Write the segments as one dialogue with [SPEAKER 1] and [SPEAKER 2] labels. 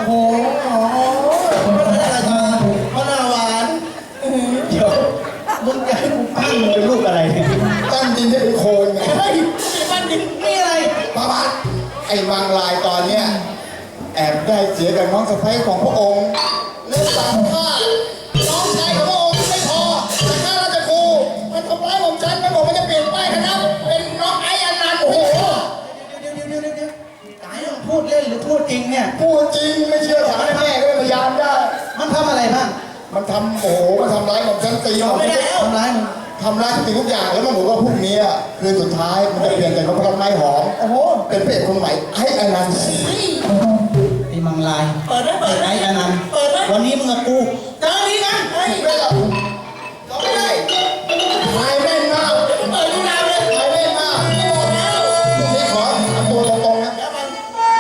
[SPEAKER 1] โหอะไรมาพระนาหวานเดี๋ยวมึงจะให้กูปั้นมึงเป็นลูกอะไรปั้นดินได้เป็นโคนไงเฮ้ยปั้นดินนี่อะไรประวัติไอ้วังลายตอนเนี้ยแอบได้เสียกับน้องสะใภ้ของพระองค์เล่นตามข้าน้องชายของพระองค์ไม่พอแต่ข้าราชครูมันทำร้ายผมฉันมันบอกมันจะเปลี่ยนป้ายคณะเป็นน้องไอ้อนันต์โอ้โหเดี๋ยวตายแล้วพูดเล่นหรือพูดจริงเนี่ยพูดจริงไม่เชื่อถามแม่ก็เป็นพยานได้มันทำอะไรบ้างมันทำโอ้โหมันทำร้ายผมฉันตีผมทำร้ายทุกสิ่งทุกอย่างแล้วมันบอกว่าพรุ่งนี้คือสุดท้ายมันจะเปลี่ยนจากนพรัตน์ไม้หอมโอ้โหเป็นพระเอกคนใหม่ไอ้อนันต์ไอ้มังลายเปิดไอ้อนันต์วันนี้มึงกับกูเจอนี้กันไม่หรอกเราไม่ได้ถ่ายแม่นมากเปิดดูดาวเลยถ่ายแม่นมากนี่ขอทำตัวตรงๆนะน้ำตา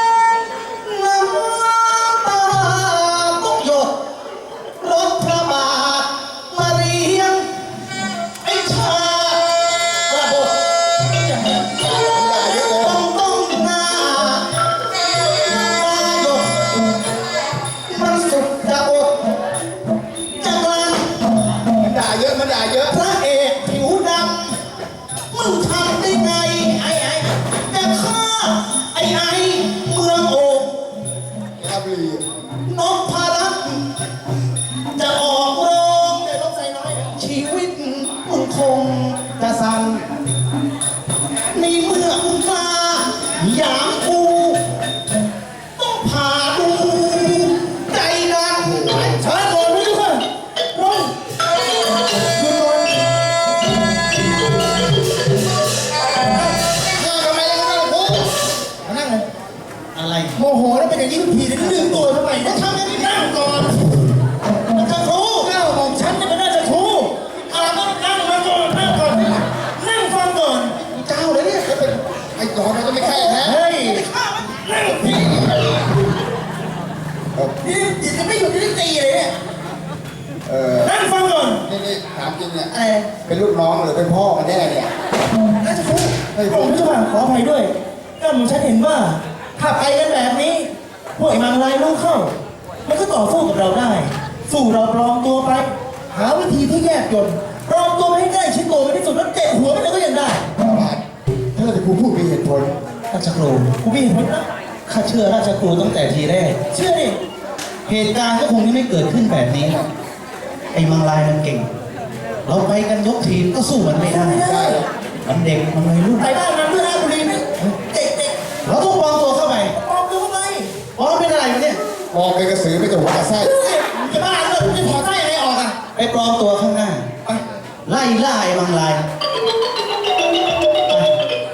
[SPEAKER 1] ต้องหยดรถพระบาทมาเรียงไอ้ชาระบบต้องหน้าหยดมันสุดจะอดจะกลั้นมันด่าเยอะพระเอกผิวดำมึงทำได้ไงจะฆ่าไอ้เมืองโอ่งครับลีนพรัตน์จะออกโรงชีวิตมึงคงจะสั่นในเมื่อมึงกล้าอย่างกูต้องผ่าดูใจดันเชิญก่อนทุกคนลงอะไรโมโหแล้วเป็นอย่างนี้ทุกทีเลยลืมตัวทำไมก็ทำอย่างนี้นั่งก่อนมันจะครูเล่าของฉันจะไม่น่าจะครูอะไรก็นั่งมาก่อนนั่งก่อนนั่งฟังก่อนเจ้าเลยเนี่ยเป็นไอ้ก่อนมันก็ไม่แค่แท้เฮ้ยนั่งพี่นี่จิตจะไม่หยุดที่ตีเลยเนี่ยนั่งฟังก่อนนี่ถามจริงเนี่ยเป็นลูกน้องหรือเป็นพ่อกันแน่เนี่ยน่าจะครูผมจะขออภัยด้วยก็ผมฉันเห็นว่าถ้าไปกันแบบนี้พวกไอ้มังลายรู้เข้ามันก็ต่อสู้กับเราได้สู้เราปลอมตัวไปหาวิธีที่แยกยนปลอมตัวให้ใกล้ชิดตัวไปที่สุดแล้วเตะหัวมันก็ยังได้ถ้าเราจะพูดมีเหตุผลราชครูกูมีเหตุผลนะข้าเชื่อราชครูตั้งแต่ทีแรกเชื่อดิเหตุการณ์ก็คงไม่เกิดขึ้นแบบนี้ไอ้มังลายมันเก่งเราไปกันยกทีมก็สู้มันไม่ได้มันเด็กมันวัยรุ่นไปบ้านมันเพื่อราชบุรีนี่เด็กเราต้องปลอมตัวเข้าไปปลอมตัวเข้าไปปลอมเป็นอะไรมันเนี่ยปลอมเป็นกระสือไม่จะหัวกระไส้จะบ้าเลยจะถอดไส้อะไรออกอ่ะไปปลอมตัวข้างหน้าไปไล่ไอ้มังลาย